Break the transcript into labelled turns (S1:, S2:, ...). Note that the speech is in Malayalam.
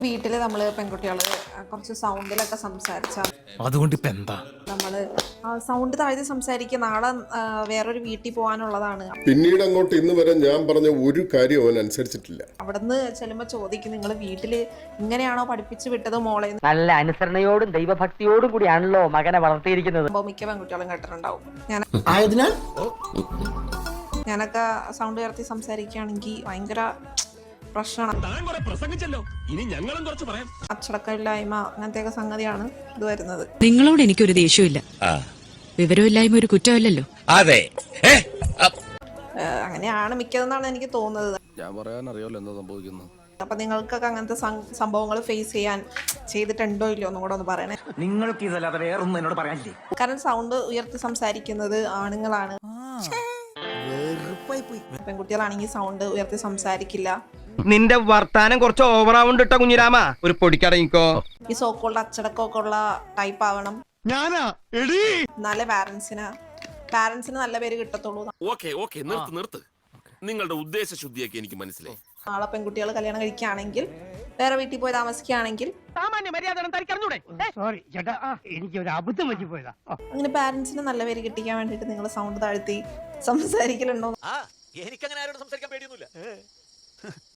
S1: വീട്ടിൽ നമ്മൾ പെൺകുട്ടികൾ കുറച്ച് സൗണ്ടിലൊക്കെ സംസാരിച്ചാൽ
S2: അതുകൊണ്ട് ഇപ്പൊ എന്താ
S1: നമ്മൾ സൗണ്ട് താഴ്ത്തി സംസാരിക്കുക നാളെ വേറൊരു വീട്ടിൽ പോകാനുള്ളതാണ്.
S3: പിന്നീട് അങ്ങോട്ട് ഇന്ന് വരെ ഞാൻ പറഞ്ഞ ഒരു കാര്യം അവൻ അനുസരിച്ചിട്ടില്ല.
S1: അവിടുന്ന് ചെല്ലുമ്പോൾ ചോദിക്കും, നിങ്ങൾ വീട്ടിൽ ഇങ്ങനെയാണോ പഠിപ്പിച്ചു വിട്ടത് മോളെ?
S4: നല്ല അനുസരണയോടും ദൈവഭക്തിയോടും കൂടിയാണല്ലോ മകനെ വളർത്തിയിരിക്കുന്നത്.
S1: മിക്ക പെൺകുട്ടികളും കേട്ടിട്ടുണ്ടാവും. ഞാനൊക്കെ സൗണ്ട് ഉയർത്തി സംസാരിക്കുകയാണെങ്കിൽ ഭയങ്കര പ്രശ്നമാണ്. അച്ചടക്കമില്ലായ്മ അങ്ങനത്തെയൊക്കെ സംഗതിയാണ് ഇത് വരുന്നത്.
S5: നിങ്ങളോട് എനിക്കൊരു ദേഷ്യമില്ല. വിവരമില്ലായ്മ ഒരു കുറ്റമല്ലല്ലോ.
S2: അതെ
S1: അങ്ങനെയാണ് മിക്കതെന്നാണ് എനിക്ക് തോന്നുന്നത്.
S2: ഞാൻ പറയാനറിയാലോ എന്താ സംഭവിക്കുന്നത്.
S1: അപ്പൊ നിങ്ങൾക്കൊക്കെ അങ്ങനത്തെ സംഭവങ്ങൾ ഫേസ് ചെയ്തിട്ടുണ്ടോ ഇല്ലയോ ഒന്നും കൂടെ ഒന്ന് പറയണേ.
S4: നിങ്ങൾക്ക് ഇതല്ലാതെ വേറൊന്നും എന്നോട് പറയാനില്ലേ?
S1: കാരണം സൗണ്ട് ഉയർത്തി സംസാരിക്കുന്നത് ആണുങ്ങളാണ്. പെൺകുട്ടികളാണെങ്കിൽ സൗണ്ട് ഉയർത്തി സംസാരിക്കില്ല.
S6: നിന്റെ വർത്താനം കുറച്ച് ഓവറാവുണ്ട് കേട്ടോ കുഞ്ഞിരാമ. ഒരു പൊടിക്കടങ്ങിക്കോ.
S1: ഈ സോക്കോളുടെ അച്ചടക്കമൊക്കെ ഉള്ള ടൈപ്പ് ആവണം. എന്നാലേ പാരന്റ്സിന് നല്ല പേര് കിട്ടത്തുള്ളൂ.
S7: നിർത്ത് നിങ്ങളുടെ ഉദ്ദേശ ശുദ്ധിയൊക്കെ എനിക്ക് മനസ്സിലായി.
S1: നാളെ പെൺകുട്ടികൾ കല്യാണം കഴിക്കുകയാണെങ്കിൽ, വേറെ വീട്ടിൽ പോയി താമസിക്കുകയാണെങ്കിൽ അങ്ങനെ പാരന്റ്സിന് നല്ല പേര് കിട്ടിക്കാൻ വേണ്ടിട്ട് നിങ്ങൾ സൗണ്ട് താഴ്ത്തി സംസാരിക്കലുണ്ടോ?
S8: എനിക്കങ്ങനെ ആരോട് സംസാരിക്കാൻ പേടിയൊന്നുമില്ല.